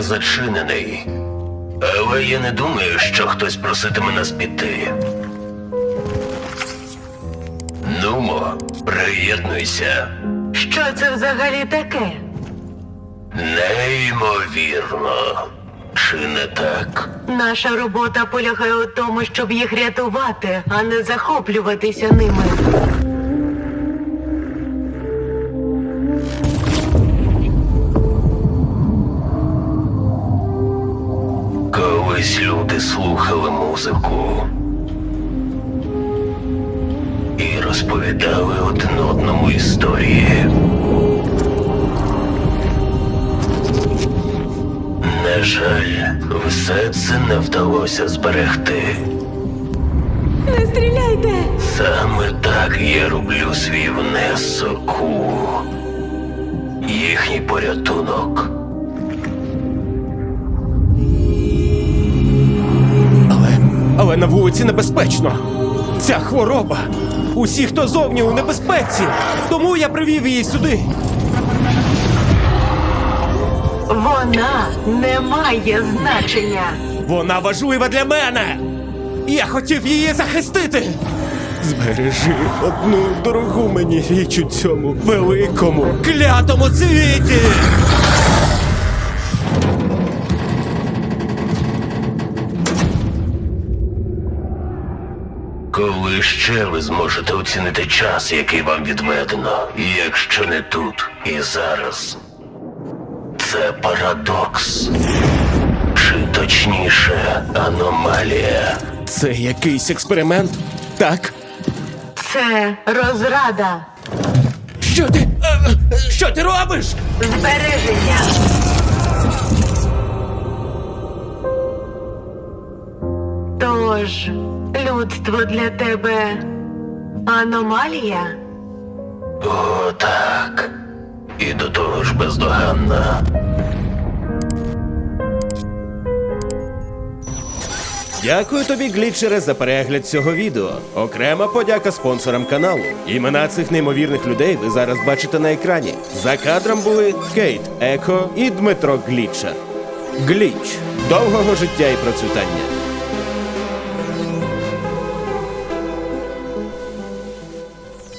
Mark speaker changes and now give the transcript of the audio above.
Speaker 1: не зачинений. Але я не думаю, що хтось проситиме нас піти. Нумо, приєднуйся.
Speaker 2: Що це взагалі таке?
Speaker 1: Неймовірно. Чи не так?
Speaker 2: Наша робота полягає у тому, щоб їх рятувати, а не захоплюватися ними.
Speaker 1: Колись люди слухали музику і розповідали один одному історії. На жаль, все це не вдалося зберегти.
Speaker 2: Не стріляйте!
Speaker 1: Саме так я роблю свій внесок у їхній порятунок.
Speaker 3: Але на вулиці небезпечно. Ця хвороба. Усі, хто зовні, у небезпеці. Тому я привів її сюди.
Speaker 2: Вона не має значення.
Speaker 3: Вона важлива для мене. Я хотів її захистити. Збережи одну дорогу мені річ у цьому великому, клятому світі.
Speaker 1: Коли ще ви зможете оцінити час, який вам відведено, якщо не тут і зараз? Це парадокс. Чи точніше, аномалія.
Speaker 3: Це якийсь експеримент? Так?
Speaker 2: Це розрада.
Speaker 3: Що ти робиш?
Speaker 2: Збереження. Тож, людство для тебе аномалія?
Speaker 1: О, так. І до того ж бездоганна.
Speaker 3: Дякую тобі, глітчере, за перегляд цього відео. Окрема подяка спонсорам каналу. Імена цих неймовірних людей ви зараз бачите на екрані. За кадром були Кейт Еко і Дмитро Глітчер. Гліч. Довгого життя і процвітання.